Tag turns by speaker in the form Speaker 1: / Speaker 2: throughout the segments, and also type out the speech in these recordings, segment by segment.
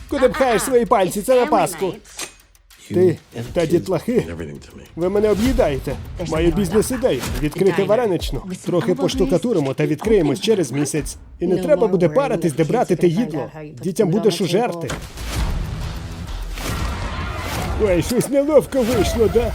Speaker 1: Куди пхаєш свої пальці? Це на Пасху. Ти та дітлахи. Ви мене об'їдаєте. Маю бізнес-ідею. Відкрити вареничну. Трохи поштукатуримо та відкриємось через місяць. І не треба буде паритись, де брати те їдло. Дітям будеш ужерти. Ой, щось неловко вийшло, да?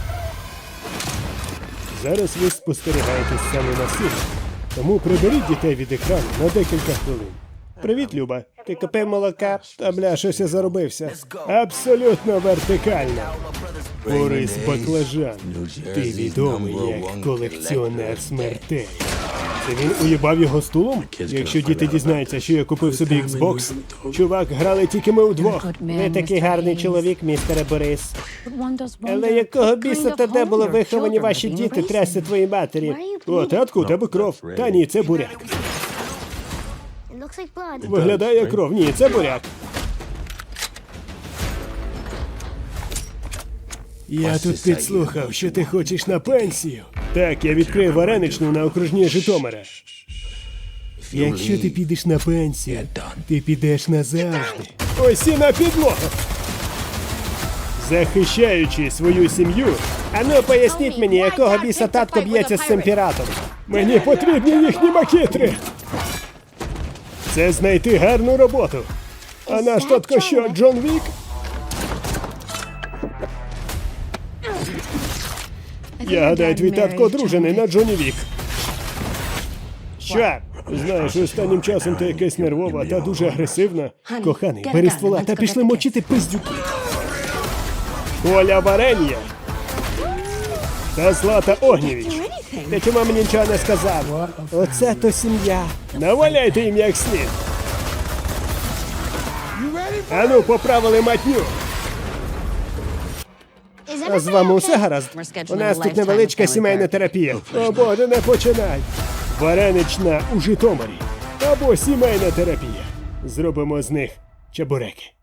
Speaker 1: Зараз ви спостерігаєте сцену насилля. Тому приберіть дітей від екрану на декілька хвилин. Привіт, Люба. Ти купив молока? Та бля, щось я заробився. Абсолютно вертикально. Борис Баклажан. Ти відомий як колекціонер смертей. Це він уїбав його стулом? Якщо діти дізнаються, що я купив собі Xbox. Чувак, грали тільки ми удвох. Ви такий гарний чоловік, містере Борис. Але якого біса та де були виховані ваші діти трясти твоїй матері? О, татку, у тебе кров. Та ні, це буряк. Виглядає як кров. Ні, це буряк. Я тут підслухав, що ти хочеш на пенсію. Так, я відкрию вареничну на окружній Житомира. Якщо ти підеш на пенсію, ти підеш назавжди. Ось і на підлогу. Захищаючи свою сім'ю, ану поясніть мені, якого біса татко б'ється з цим піратом. Мені потрібні їхні макітри. Це знайти гарну роботу. А наш татко що, Джон Вік? Я гадаю, твій татко одружений на Джоні Вік. Що? Знаєш, останнім часом ти якась нервова та дуже агресивна. Коханий, бери ствола та пішли мочити пиздюки. Оля Варенья та Злата Огнєвіч. Ти чому мені нічого не сказав? Оце то сім'я. Наваляйте їм як слід. Ану, поправили матню. А з вами усе гаразд? У нас тут невеличка сімейна терапія. О боже, не починай. Варенична у Житомирі. Або сімейна терапія. Зробимо з них чебуреки.